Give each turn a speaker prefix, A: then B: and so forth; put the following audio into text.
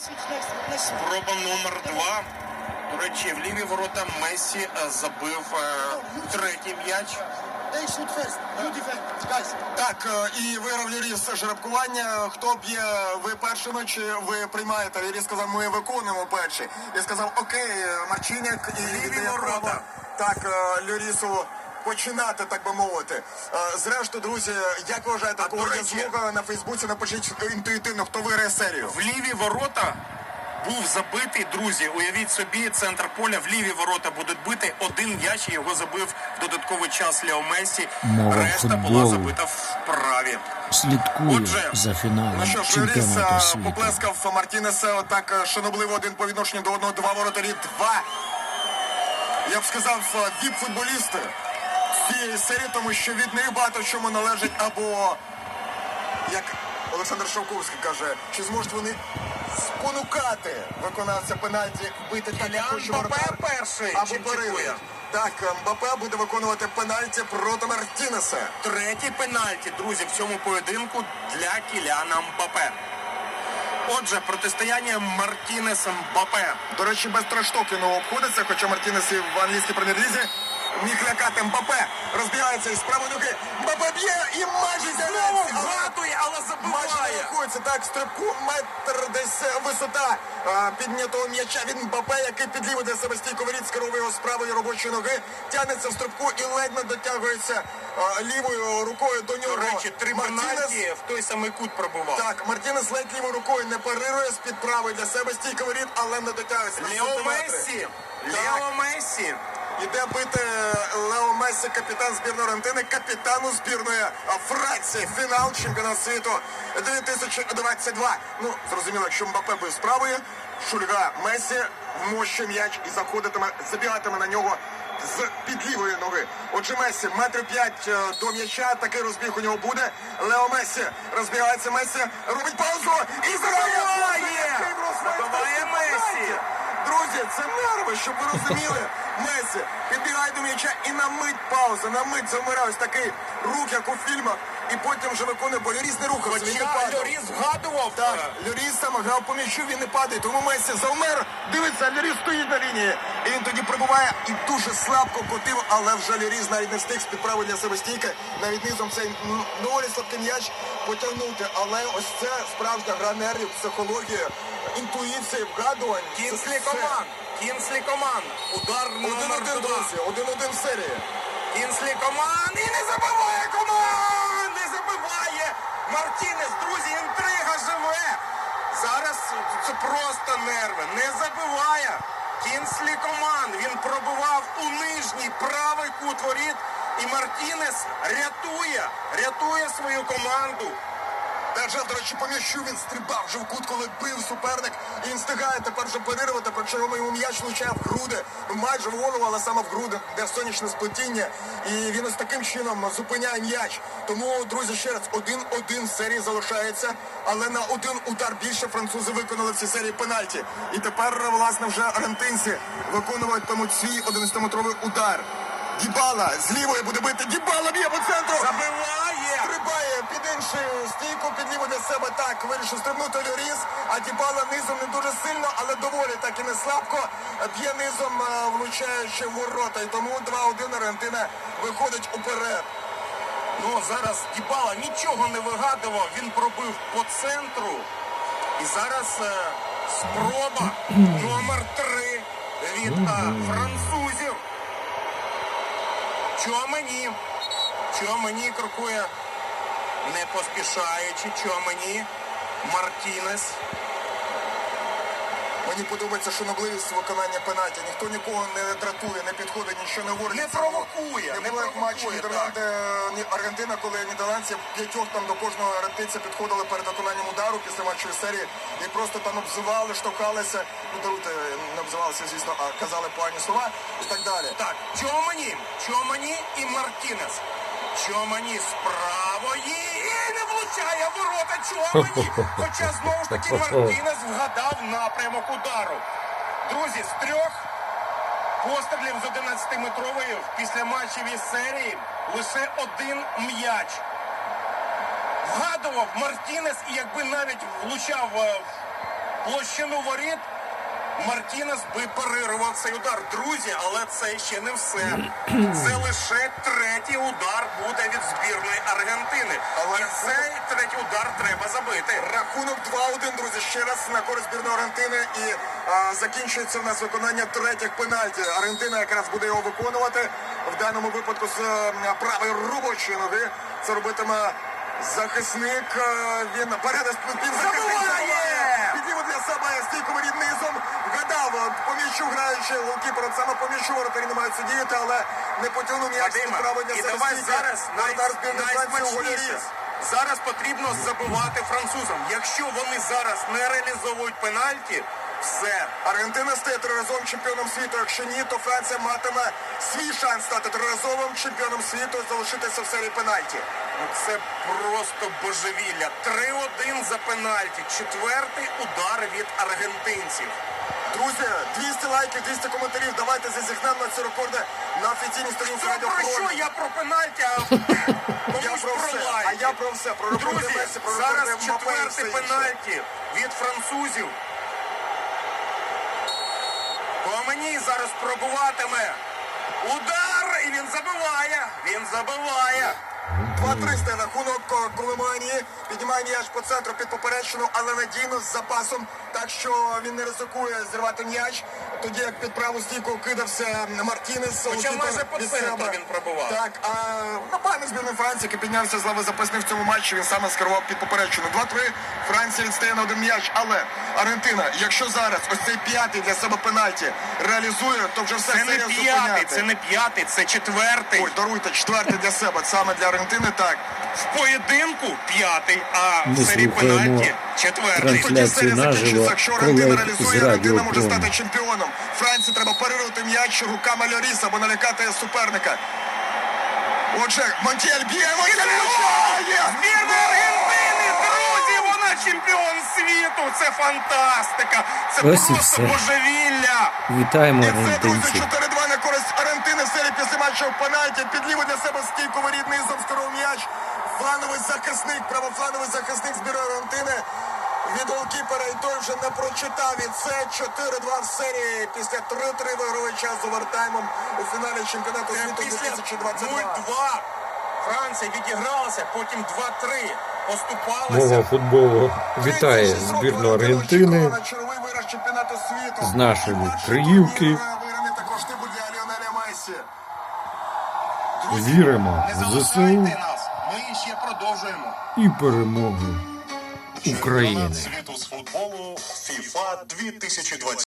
A: Спроба номер 2. До речі, в ліві ворота Мессі забив третій м'яч.
B: Так, і виграв Льоріс жеребкування. Хто б'є, ви першими чи ви приймаєте? Льоріс сказав, ми виконуємо перші. Я сказав, окей, Марчиняк і
A: Ліві ворота.
B: Так, Льорісу починати, так би мовити. Зрештою, друзі, як ви вважаєте, кого є змога на Фейсбуці, напишіть інтуїтивно, хто виграє серію.
A: В ліві ворота був забитий, друзі, уявіть собі, центр поля, в ліві ворота будуть бити один м'яч, і його забив в додатковий час Лео Мессі. Решта була забита вправі.
C: Слідкую за фіналом
B: Ну що ж,
C: чемпіонату
B: Льоріс
C: світу.
B: поплескав Мартінеса так шанобливо один по відношенню до одного, два воротарі, два. Я б сказав, віп-футболісти цієї серії, тому що від них багато в чому належить або, як Олександр Шовковський каже, чи зможуть вони спонукати виконавця пенальті бити так, як хоче воротар,
A: перший
B: або перевір. Так, Мбаппе буде виконувати пенальті проти Мартінеса.
A: Третій пенальті, друзі, в цьому поєдинку для Кіляна Мбаппе. Отже, протистояння Мартінес-Мбаппе.
B: До речі, без трештокіну обходиться, хоча Мартінес і в англійській прем'єр-лізі міг лякати. Мбаппе розбігається із правої ноги. Мбаппе б'є і майже
A: Знову вгадує, але
B: майже не
A: забиває.
B: рахується. Так, стрибку метр десь висота піднятого м'яча від Мбаппе, який під ліву для себе стійко воріт, скеровує його з правої робочої ноги, тягнеться в стрибку і ледь не дотягується лівою рукою до нього.
A: До речі, три пенальті в той самий кут пробував.
B: Так, Мартінес ледь лівою рукою не парирує з-під правої для себе стійко воріт, але не дотягується.
A: Лео Мессі. Лео Мессі.
B: Іде бити Лео Мессі, капітан збірної Аргентини, капітану збірної Франції. Фінал чемпіонату світу 2022. Ну, зрозуміло, якщо Мбаппе буде справою, шульга Мессі вмощує м'яч і забігатиме на нього з під лівої ноги. Отже, Мессі, метр 5 до м'яча, такий розбіг у нього буде. Лео Мессі розбігається, Мессі робить паузу і
A: Забиває! Забиває Мессі!
B: Друзі, це нерви, щоб ви розуміли. Мессі підбігає до м'яча і на мить пауза, на мить замирає ось такий рух, як у фільмах, і потім вже виконує, бо Льоріс не рухався, він не
A: Хоча
B: падав.
A: Льоріс вгадував.
B: Так, Льоріс саме грав по м'ячу, він не падає, тому Мессі завмер, дивиться, Льоріс стоїть на лінії, і він тоді пробиває і дуже слабко котив, але вже Льоріс навіть не встиг з-під правої для себе стійки, навіть низом цей доволі слабкий м'яч потягнути, але ось це справжня гра нервів, психологія, інтуїція, вгадувань.
A: Кінслі команд. Кінслі команд. Удар номер
B: 1-1,
A: 2.
B: друзі, 1-1 в серії.
A: Кінслі команд. І не забиває команд! Не забиває Мартінес. Друзі, інтрига живе. Зараз це просто нерви. Не забиває. Кінслі команд. Він пробивав у нижній правий кут воріт. І Мартінес рятує свою команду.
B: Держав, до речі, по м'ячу він стрибав вже в кут, коли бив суперник. І він встигає тепер вже парирувати, причому йому м'яч влучає в груди. Майже в голову, але саме в груди, де сонячне сплетіння. І він ось таким чином зупиняє м'яч. Тому, друзі, ще раз, 1-1 в серії залишається. Але на один удар більше французи виконали в цій серії пенальті. І тепер, власне, вже аргентинці виконуватимуть свій 11-метровий удар. Дібала з лівої буде бити. Дібала б'є по центру.
A: Забиває!
B: Стрибає під іншу стійку, під ліву для себе. Так, вирішив стрибнути Льоріс, а Дібала низом не дуже сильно, але доволі так і не слабко. Б'є низом, влучаючи в ворота. І тому 2-1 Аргентина виходить уперед.
A: Ну, зараз Дібала нічого не вигадував. Він пробив по центру. І зараз спроба номер 3 від французів. Чуамені крокує, не поспішаючи. Чуамені, Мартінес.
B: Мені подобається шанобливість виконання пенальті. Ніхто нікого не дратує, не підходить, нічого не говорить.
A: Не провокує.
B: Не було як матч Нідерланди-Аргентина, коли нідерландці п'ятьох там до кожного аргентинця підходили перед виконанням удару після матчової серії і просто там обзивали, штовхалися. Ну, даруйте, не обзивалися, звісно, а казали погані слова і так далі.
A: Так, Чуамені і Мартінес. Чуамені з правої і не влучає ворота Чуамені. Хоча, знову ж таки, Мартінес вгадав напрямок удару. Друзі, з 3 пострілів з 11-метрової в післяматчевій серії лише 1 м'яч. Вгадував Мартінес, і якби навіть влучав площину воріт, Мартінес би парирував цей удар. Друзі, але це ще не все. Це лише третій удар буде від збірної Аргентини.
B: Але
A: І цей третій удар треба забити.
B: Рахунок 2-1, друзі, ще раз на користь збірної Аргентини. І закінчується в нас виконання третіх пенальті. Аргентина якраз буде його виконувати. В даному випадку з правої робочої ноги. Це робитиме захисник. Він передасть
A: Забиває!
B: Підліво для себе стійку воріт низом. Вгадав, по м'ячу граючи голкіпер, саме по м'ячу воротарі намагаються діяти, але не потягнув м'яч з
A: Вадиме,
B: правої для
A: і
B: себе
A: давай
B: стійки.
A: зараз
B: Воротар збірної Франції у голі
A: найсмачніше.
B: ліз.
A: Зараз потрібно забивати французам. Якщо вони зараз не реалізовують пенальті, все.
B: Аргентина стає триразовим чемпіоном світу. Якщо ні, то Франція матиме свій шанс стати триразовим чемпіоном світу і залишитися в серії пенальті.
A: Ну, це просто божевілля. 3-1 за пенальті. Четвертий удар від аргентинців.
B: Друзі, 200 лайків, 200 коментарів. Давайте зазіхнемо на ці рекорди на офіційній сторінці
A: Що
B: Радіо
A: про
B: Фронт.
A: що? Я про пенальті, а
B: Я
A: комусь
B: про
A: про
B: все.
A: лайки.
B: А я про все. Про рекорди
A: Друзі,
B: Месі, про
A: зараз
B: рекорди Мбаппе і все
A: четвертий
B: інше.
A: пенальті від французів. По мені зараз пробуватиме. Удар! І він забиває. Він забиває.
B: 2-3 стає рахунок Коломанії. Піднімає м'яч по центру під поперечину, але надійно з запасом, так що він не ризикує зірвати м'яч. Тоді як під праву стійку кидався Мартінес.
A: Хоча
B: голкіпер
A: майже по
B: від
A: центру
B: себе.
A: він пробував.
B: Так, а напевно збірної Франції, який піднявся з лави запасних в цьому матчі, він саме скерував під поперечину. 2-3. Франція відстає на один м'яч, але Аргентина, якщо зараз ось цей п'ятий для себе пенальті реалізує, то вже все
A: Це не
B: серія
A: п'ятий,
B: зупиняти.
A: це не п'ятий, це четвертий.
B: Ой, даруйте, четвертий для себе, саме для Аргентини, так.
A: В поєдинку п'ятий, а в
C: Ми
A: серії
C: слухаємо
A: пенальті четвертий.
C: трансляцію.
B: Тоді серія
C: наживо
B: закінчиться, якщо Аргентина
C: колег
B: реалізує,
C: з
B: Аргентина
C: Радіо
B: може
C: Фронт.
B: стати чемпіоном. Франції треба парирувати м'яч руками Льоріса або налякати суперника. Отже, Монтіель б'є, Монтіель влучає!
A: Збірна Аргентини, друзі, вона чемпіон світу. Це фантастика. Це
C: Ось і
A: просто
C: все.
A: божевілля.
C: Вітаємо
B: І це, друзі,
C: аргентинців.
B: 4-2 на користь Аргентини в серії після матчу в пенальті. Підліво для себе стійку воріт низом скоров м'яч. Флановий захисник, правофлановий захисник збірної Аргентини. Від голкіпера і той вже не прочитав. І це 4-2 в серії після 3-3 вигравий час з овертаймом у фіналі чемпіонату світу
A: Після
B: 2022.
A: 0-2 Франція відігралася, потім 2-3 поступалася.
C: Мова футболу вітає
B: 36 років
C: збірну
B: Аргентина
C: Аргентини
B: очікувала на черговий виграш чемпіонату світу.
C: з нашої
B: Перший
C: Криївки.
B: турнір виграний також типу для Ліонеля Мессі.
C: Віримо
A: Не
C: в
A: залишайте
C: ЗСУ
A: нас, ми ще продовжуємо.
C: і перемогу України.
D: Світу з футболу FIFA 2020.